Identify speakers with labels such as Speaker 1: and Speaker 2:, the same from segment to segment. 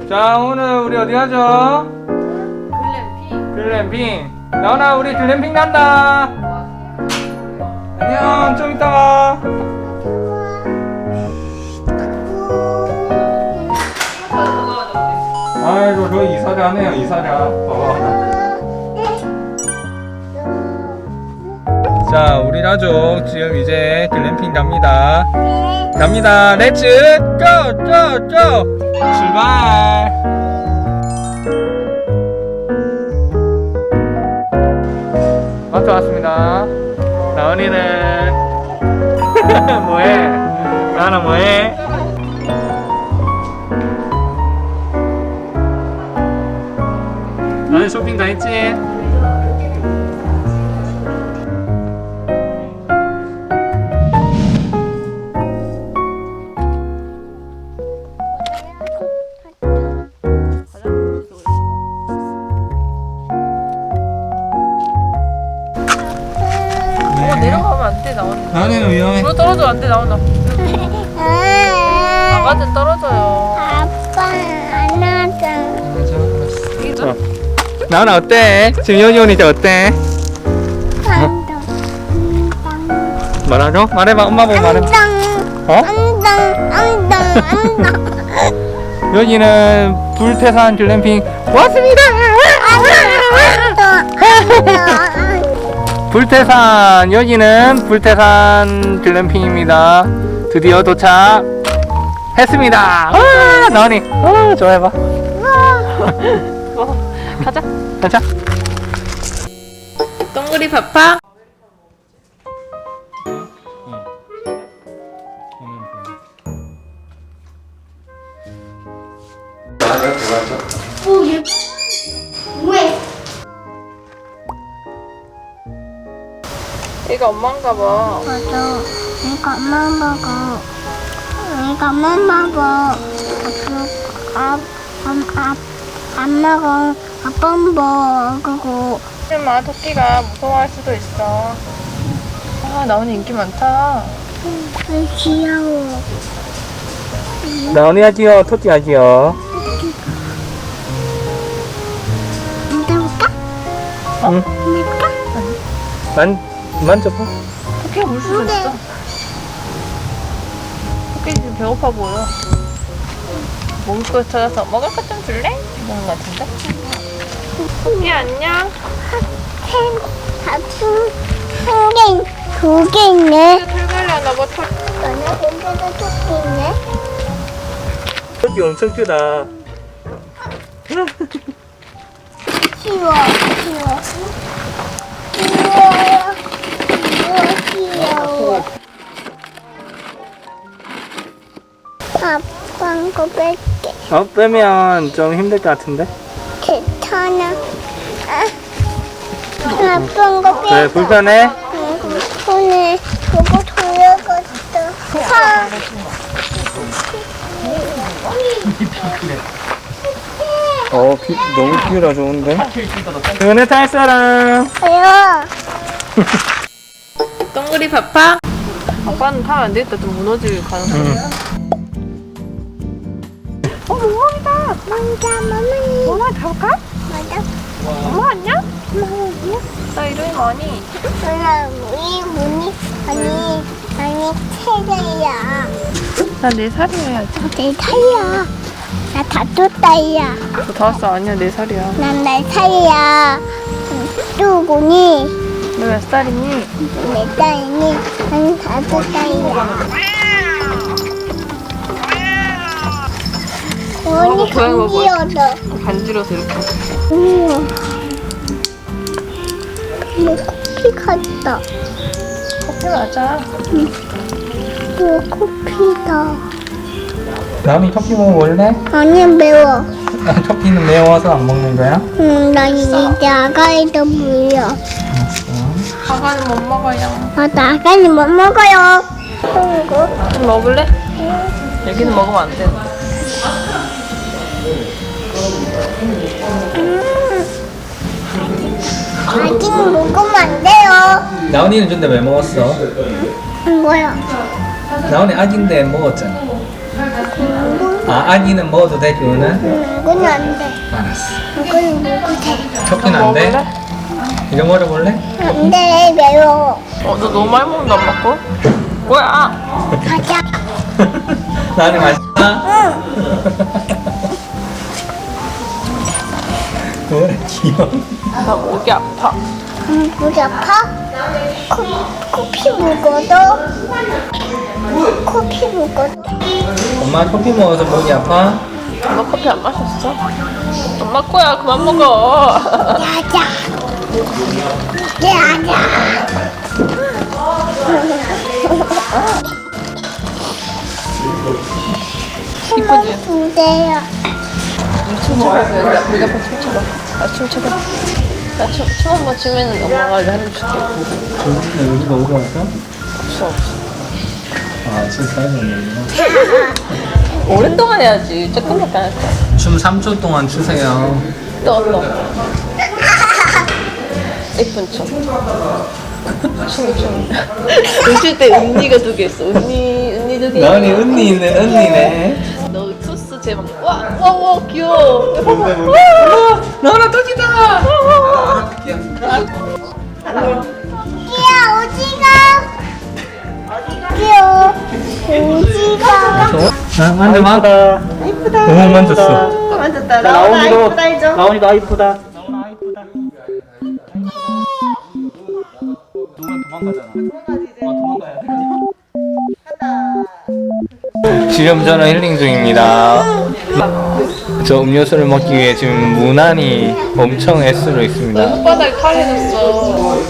Speaker 1: 자, 오늘 우리 어디 가죠?
Speaker 2: 글램핑.
Speaker 1: 글램핑. 나훈아, 우리 글램핑 간다. 안녕, 좀 이따 와. 아이고, 저 이사자네요, 이사자. 자, 우리 가족 지금 이제 글램핑 갑니다. 갑니다. 렛츠 고! 고! 고! 출발! 마트 왔습니다. 나은이는 뭐해? 나는 뭐해? 나는 쇼핑 다 했지?
Speaker 2: 내려가면 안 돼, 나온다.
Speaker 1: 나은이는 위험해.
Speaker 2: 불 떨어져, 안 돼, 나온다. 아가들 떨어져요.
Speaker 3: 아빠 안 하자.
Speaker 1: 나은아 어때? 지금 연이 오니까 어때? 말하죠? 말해봐. 엄마 보고 말해봐. 어? 여기는 불태산 글램핑 왔습니다. 불태산, 여기는 불태산 글램핑입니다. 드디어 도착했습니다. 나은이 좋아해봐.
Speaker 2: 가자.
Speaker 1: 가자.
Speaker 2: 동그리 파파.
Speaker 3: 왜?
Speaker 2: 얘가 엄마인가 봐.
Speaker 3: 맞아. 이거 엄마 먹어. 이거 엄마 먹어. 안 먹어. 아빠 먹고.
Speaker 2: 하지마, 토끼가 무서워할 수도 있어. 아, 나온이 인기 많다.
Speaker 3: 귀여워.
Speaker 1: 나은이가 귀여워, 토끼가 귀여워.
Speaker 3: 만져볼까?
Speaker 1: 응.
Speaker 3: 만져볼까?
Speaker 1: 만져봐.
Speaker 2: 토끼가 물 수도 있어. 토끼 지금 배고파 보여. 먹을 거 찾아서 먹을 거 좀 줄래? 이러는 거 같은데? 토끼 안녕.
Speaker 3: 두 개 있네.
Speaker 2: 털갈려나 봐.
Speaker 3: 너네 근데도 토끼 있네.
Speaker 1: 토끼 엄청 크다.
Speaker 3: 귀여워. 귀여워. 아빠 거 뺄게.
Speaker 1: 빼면 좀 힘들 것 같은데?
Speaker 3: 괜찮아. 아빠 거 뺄게.
Speaker 1: 그래, 불편해?
Speaker 3: 손에 그거 돌려갔어.
Speaker 1: 너무 귀여라 좋은데? 은혜 탈 사람.
Speaker 3: 아야.
Speaker 2: 동그리 파파. 아빠는 타면 안 되겠다. 좀 무너질 가능성이. 몽몽이다. 몽몽이 가볼까?
Speaker 3: 맞아.
Speaker 2: 몽몽 안녕? 나 이름이 뭐니?
Speaker 3: 누나 우리 문이 아니 세대야.
Speaker 2: 나 4살이야 해야지.
Speaker 3: 내 살이야. 나 5살이야.
Speaker 2: 너 5살 아니야, 4살이야.
Speaker 3: 난 4살이야. 누구니?
Speaker 2: 너 몇 살이니?
Speaker 3: 4살이니? 난 5살이야. 언니
Speaker 2: 고양이 뭐
Speaker 3: 간지러워.
Speaker 2: 간지러서 이렇게.
Speaker 3: 우와. 뭐 코피 같다.
Speaker 2: 커피 맞아.
Speaker 3: 뭐 코피다.
Speaker 1: 나은이 토끼 먹어볼래?
Speaker 3: 아니 매워.
Speaker 1: 토끼는 매워서 안 먹는 거야?
Speaker 3: 나 이제 아가이도 물려.
Speaker 2: 아가는 못 먹어요.
Speaker 3: 나 아가는 못 먹어요. 이거?
Speaker 2: 좀 먹을래? 여기는 먹으면 안 돼.
Speaker 3: 아직 먹으면 안 돼요.
Speaker 1: 나은이는 근데 왜 먹었어?
Speaker 3: 뭐야?
Speaker 1: 나은이 아기인데 먹었잖아.
Speaker 3: 뭐
Speaker 1: 아, 아기는 먹어도 돼, 그거는?
Speaker 3: 이건 안 돼.
Speaker 1: 알았어.
Speaker 3: 이건 먹어도 돼.
Speaker 1: 토끼는 안 돼?
Speaker 2: 먹을래?
Speaker 1: 이거 먹어볼래?
Speaker 3: 안 돼, 매워.
Speaker 2: 너 너무 많이 먹는다 안 먹고? 뭐야?
Speaker 3: 가자.
Speaker 1: 나는 맛있다. 뭐래, 귀여워.
Speaker 2: 나 목이 아파.
Speaker 3: 목이 아파? 커피 먹어도? 커피 먹어도?
Speaker 1: 엄마 커피 먹어서 목이 아파?
Speaker 2: 너 커피 안 마셨어? 엄마 거야 그만 먹어.
Speaker 3: 야자. 야자.
Speaker 2: 이쁘지?
Speaker 3: 주세요.
Speaker 2: 춤춰봐. 우리 앞에 춤춰봐. 춤춰봐. 춤 한번 추면은 엄마가 해줄게.
Speaker 1: 여기가 오고 왔어?
Speaker 2: 없어.
Speaker 1: 아, 춤 사이즈는
Speaker 2: 오랫동안 해야지. 조금밖에 안 했어.
Speaker 1: 춤 3초 동안 추세요.
Speaker 2: 또. 예쁜 춤. 춤. 웃을 때 은니가 두 개 있어. 은니 두 개.
Speaker 1: 나은이 은니 있는 은니네.
Speaker 2: 너 투스 제목. 와 귀여워.
Speaker 1: 나은아 터지다.
Speaker 3: 귀여워, 오지가. 귀여워. 오지가.
Speaker 1: 아, 만져봐.
Speaker 4: 이쁘다.
Speaker 1: 너무 만졌어.
Speaker 2: 만졌다.
Speaker 4: 나온이도
Speaker 2: 이쁘다 해줘.
Speaker 4: 나온이도 아 이쁘다. 나온아 이쁘다. 누구는 도망가잖아. 도망가야 돼.
Speaker 1: 지금 저는 힐링 중입니다. 저 음료수를 먹기 위해 지금 무난히 엄청 애쓰고 있습니다.
Speaker 2: 손바닥에 칼해졌어.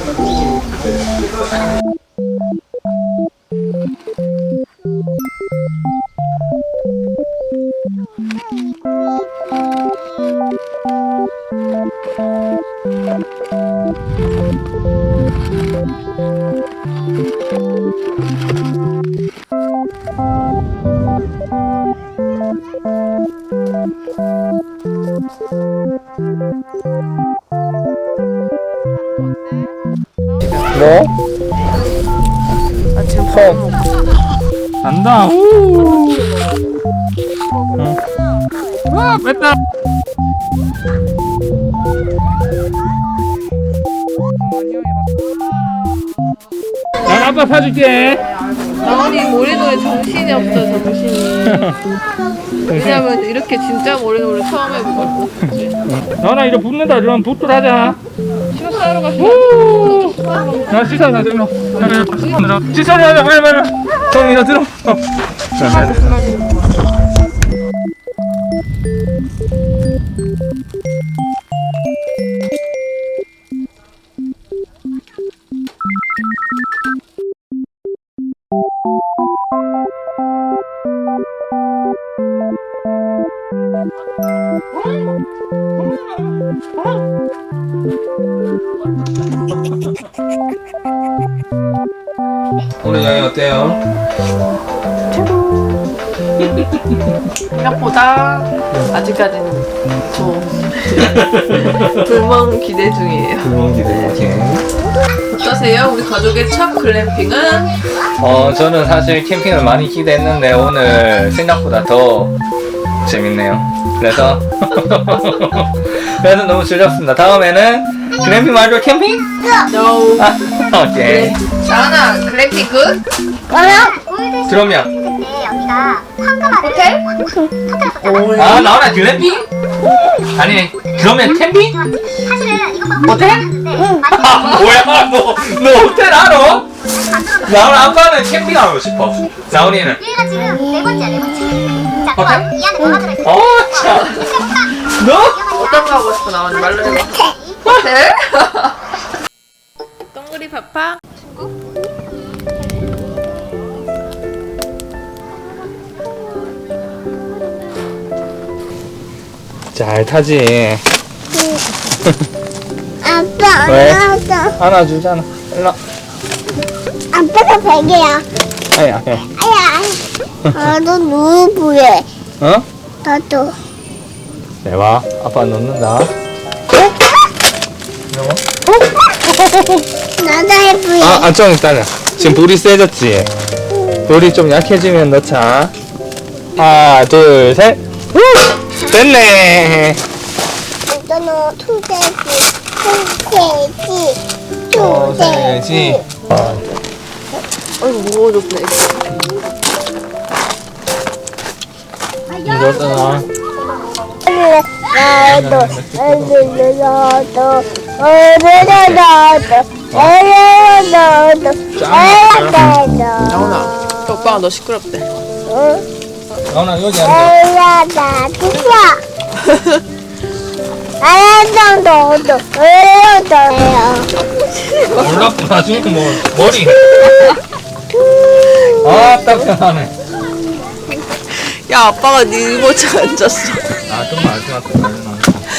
Speaker 1: 뭐?
Speaker 2: 나 지금 밥 먹고.
Speaker 1: 안다. 우. 와, 뺐다. 난 아빠 사줄게.
Speaker 2: 나원이 모래놀이 정신이 없어 정신이. 왜냐면 이렇게 진짜 모래놀이 처음 해보거든.
Speaker 1: 나나 이제 붙는다. 이러면 붓들 하자.
Speaker 2: 시간 싸러 가시면.
Speaker 1: 우. 나 씻어 나 들어. 씻어 하자 빨리. 형 이거 들어. 오늘 여행 어때요?
Speaker 2: 생각보다 아직까지는 불멍 기대 중이에요.
Speaker 1: 불멍 기대.
Speaker 2: 어떠세요? 우리 가족의 첫 글램핑은?
Speaker 1: 저는 사실 캠핑을 많이 기대했는데 오늘 생각보다 더 재밌네요. 그래서 너무 즐겁습니다. 다음에는 글램핑 말고 캠핑?
Speaker 2: No.
Speaker 1: 오케이.
Speaker 2: 자나 글램핑 굿?
Speaker 1: 그러면
Speaker 3: 여기가 황금알 호텔?
Speaker 1: 아 나오나 글램핑? 아니 그러면 캠핑?
Speaker 3: 사실은 이것만
Speaker 1: 호텔? 아 뭐야 너 호텔 알아? 나오나 아빠는 캠핑하고 싶어. 나오니는?
Speaker 3: 얘가 지금 네 번째야, 네 번째. 자,
Speaker 1: 호텔?
Speaker 3: 그럼 이 안에 뭐가 들어있어?
Speaker 1: 참. 너?
Speaker 2: 어떤 거 하고 싶어 나오니 말로 해봐. 호텔? 동그리 파파?
Speaker 1: 잘 타지.
Speaker 3: 아빠,
Speaker 1: 왜?
Speaker 3: 안아줘.
Speaker 1: 안아주잖아. 일로.
Speaker 3: 아빠가 베개야.
Speaker 1: 아야.
Speaker 3: 아야. 나도 누구해?
Speaker 1: 어?
Speaker 3: 나도.
Speaker 1: 내봐. 아빠 넣는다. 이거?
Speaker 3: 나도 해보여.
Speaker 1: 좀 기다려. 지금 불이 세졌지? 불이 좀 약해지면 넣자. 하나, 둘, 셋. 후! 됐네.
Speaker 3: 이거는 소세지.
Speaker 1: 소세지.
Speaker 2: 아이고 무거워졌네.
Speaker 1: 이거잖아.
Speaker 2: 나훈아, 오빠가 너 시끄럽대.
Speaker 1: 나훈아 여기 앉아. 몰랐고 나중에 뭐 머리. 아 딱딱하네.
Speaker 2: 야, 아빠가 네 이모차 앉았어.
Speaker 1: 아 정말 알것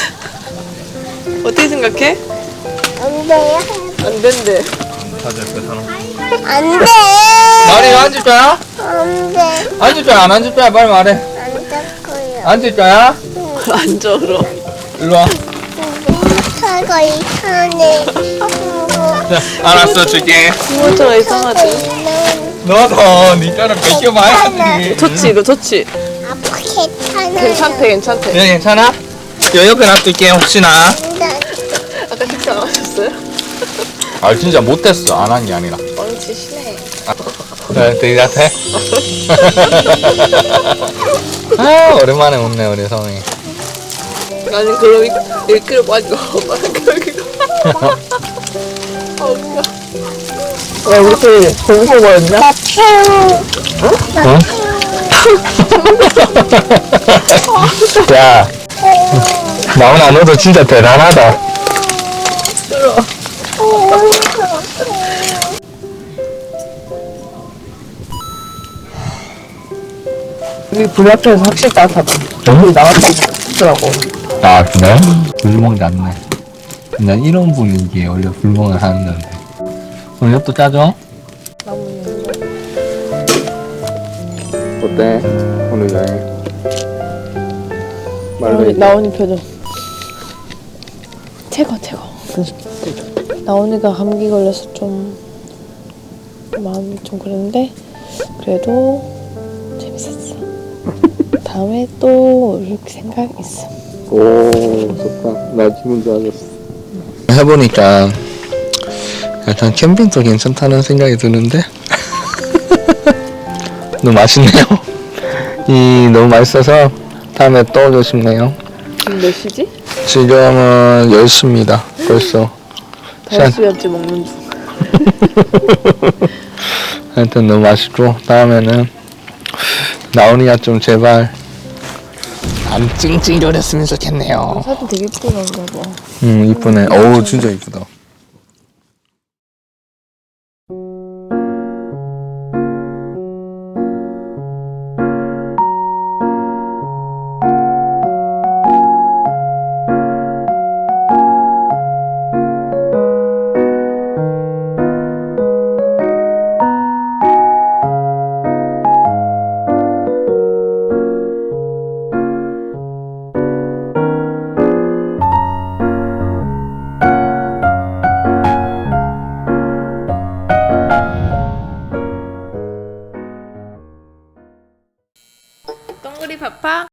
Speaker 2: 어떻게 생각해?
Speaker 3: 안 돼요?
Speaker 2: 안 된대.
Speaker 1: 다들 그 사람.
Speaker 3: 안 돼.
Speaker 1: 말이 앉을 거야?
Speaker 3: 안 돼.
Speaker 1: 앉을 거야 안 앉을 거야 빨리 말해.
Speaker 3: 안 될 거예요.
Speaker 1: 앉을 거야?
Speaker 2: 앉아 그럼.
Speaker 1: 일로 와.
Speaker 3: 차가 이상해.
Speaker 1: 자, 알았어 줄게.
Speaker 2: 이모차가 이상하지.
Speaker 1: 너도 니처럼 벗겨봐야지.
Speaker 2: 좋지, 이거 좋지.
Speaker 3: 아빠 괜찮아요.
Speaker 2: 괜찮대, 괜찮대.
Speaker 1: 네 괜찮아? 여 옆에 놔둘게 혹시나.
Speaker 2: 아까 식사 안 하셨어요?
Speaker 1: 아 진짜 못했어 안 한 게 아니라.
Speaker 2: 뻥치 시네.
Speaker 1: 네 되게 같아. 아 오랜만에 웃네 우리 성이.
Speaker 2: 나는 그럼 1kg 빠지고 엄마는 그러기가. 아 웃겨. 야 우리 둘이 공포 뭐였냐?
Speaker 1: 응? 야 나훈아 너도 진짜 대단하다.
Speaker 2: 우리 불 앞에서 확실히 따뜻하다.
Speaker 1: 응?
Speaker 2: 나왔다 하더라고.
Speaker 1: 아 그래? 불멍 낫네. 난 이런 분위기에 원래 불멍을 하는 건데. 오늘 엽도 짜줘? 어때? 오늘 여행
Speaker 2: 나온이 표정. 최고. 나온이가 감기 걸려서 좀 마음이 좀 그랬는데 그래도 재밌었어. 다음에 또 올 생각 있어.
Speaker 1: 오 좋다. 나 기분 좋아졌어. 해보니까 약간 캠핑도 괜찮다는 생각이 드는데 너무 맛있네요. 너무 맛있어서 다음에 또 오고 싶네요.
Speaker 2: 지금 몇 시지?
Speaker 1: 지금은 10시입니다. 벌써.
Speaker 2: 5시간째 먹는 중.
Speaker 1: 하여튼 너무 맛있고 다음에는 나온이가 좀 제발 안 찡찡거렸으면 좋겠네요.
Speaker 2: 사진 되게 예쁘게 나온다 봐.
Speaker 1: 이쁘네. 어우 진짜 이쁘다.
Speaker 2: 동그리 파파.